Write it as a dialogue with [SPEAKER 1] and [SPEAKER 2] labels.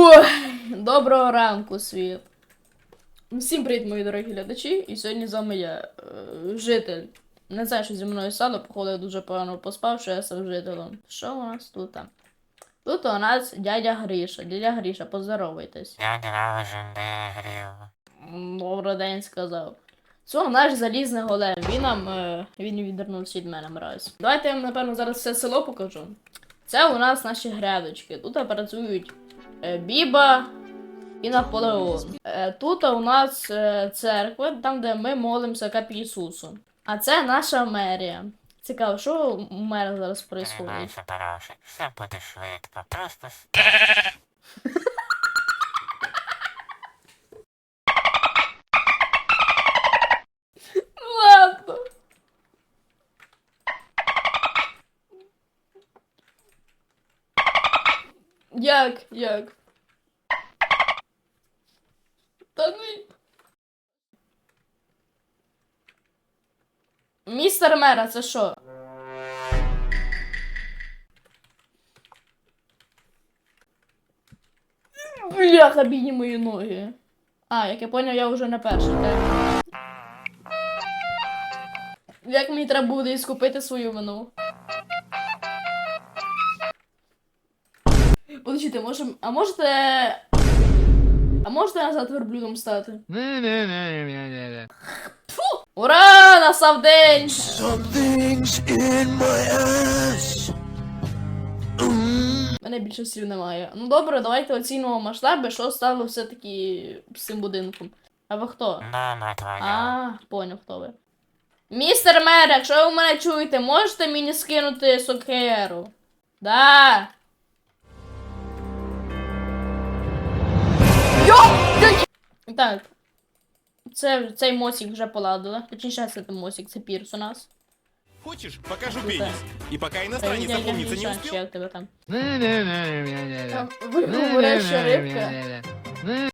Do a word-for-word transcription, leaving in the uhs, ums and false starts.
[SPEAKER 1] Ой, доброго ранку, світ. Всім привіт, мої дорогі глядачі. І сьогодні з вами я, е, житель. Не знаю, що зі мною стало, походу я дуже погано поспав, що я став жителем. Що у нас тут? Тут у нас дядя Гріша. Дядя Гріша, поздоровайтесь.
[SPEAKER 2] Я не грів.
[SPEAKER 1] Добрий день, сказав. Це наш залізний голем. Він нам, е, він відвернувся від мене мразь. Давайте я вам, напевно, зараз все село покажу. Це у нас наші грядочки. Тут працюють е, Біба і Наполеон. Е, тут у нас е, церква, там де ми молимося Кап Ісусу. А це наша мерія. Цікаво, що у мера зараз відбувається?
[SPEAKER 2] Тримайся, Тарасик, все буде швидко. Просто
[SPEAKER 1] Ладно. Як? Як? Та ну... Містер мера, це що? Бляха, бідні мої ноги. А, як я поняв, я вже на перший, так? Як мені треба буде іскупити свою вину? Подождите, може... А можете... А можете назад верблюдом стати? Фу! Ура! Настав день! У мене більше слів немає. Ну добре, давайте оцінимо масштаби, що стало все-таки з цим будинком. А ви хто?
[SPEAKER 2] мама твоя.
[SPEAKER 1] А, поняв, хто ви. Містер мер, якщо ви мене чуєте, можете мені скинути сокеру? Да. Йо! Так. Це, цей мосик вже поладили. Точніше, це не мосик, це пірс у нас.
[SPEAKER 3] Хочешь, покажу
[SPEAKER 1] Круто.
[SPEAKER 3] пенис. И пока иностранец
[SPEAKER 1] Дядя
[SPEAKER 3] опомниться не
[SPEAKER 1] Гриша,
[SPEAKER 3] успел,
[SPEAKER 1] чи як тебе там? Ви говориш, що рибка?